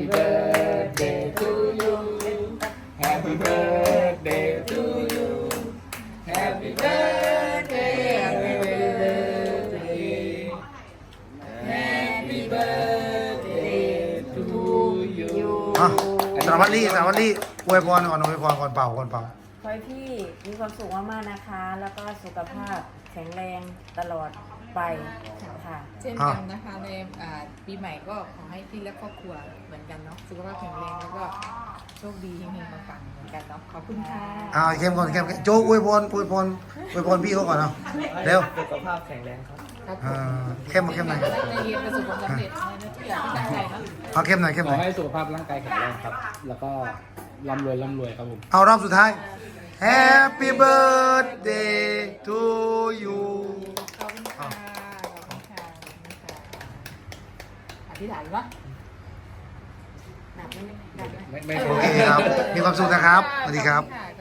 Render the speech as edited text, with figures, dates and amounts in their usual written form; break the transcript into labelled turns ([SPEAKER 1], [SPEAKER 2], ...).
[SPEAKER 1] birthday to you Happy birthday to you Happy birthday Happy birthday Happy birthday to you
[SPEAKER 2] สารวัตรลี่อวยพรก่อนเป่า
[SPEAKER 3] ขอให้พี่มีความสุขมากๆนะคะ แล้วก็สุขภาพแข็งแรงตลอดไปค่ะ
[SPEAKER 4] เช่นกันนะคะในปีใหม่ก็ขอให้พี่และครอบครัวเหมือนกันเนาะสุขภาพแข็งแรงแล้วก็โชคดีเฮงๆปังๆเหมือนกันเนาะขอบคุณค่ะ
[SPEAKER 2] เข้มก่อนโจ๊กอวยพรพี่เขาก่อนเนาะเร็ว
[SPEAKER 1] สุขภาพแข็งแรงครับ
[SPEAKER 2] เข้มหน่อย
[SPEAKER 4] ในเรียนประสบความสำเร็จในทุกอย่างที่ตั้งใจเนาะ
[SPEAKER 2] เอาเข้มหน่อย
[SPEAKER 1] ขอให้สุขภาพร่างกายแข็งแรงครับ แล้วก็ร่ำรวยครับผม
[SPEAKER 2] เอารอบสุดท้าย Happy birthday to you
[SPEAKER 4] ขอบคุณค่ะอธิษฐานวะหนักไหม
[SPEAKER 1] ไม่
[SPEAKER 2] โอเคครับมีความสุขนะครับสวัสดีครับ
[SPEAKER 4] ค่ะ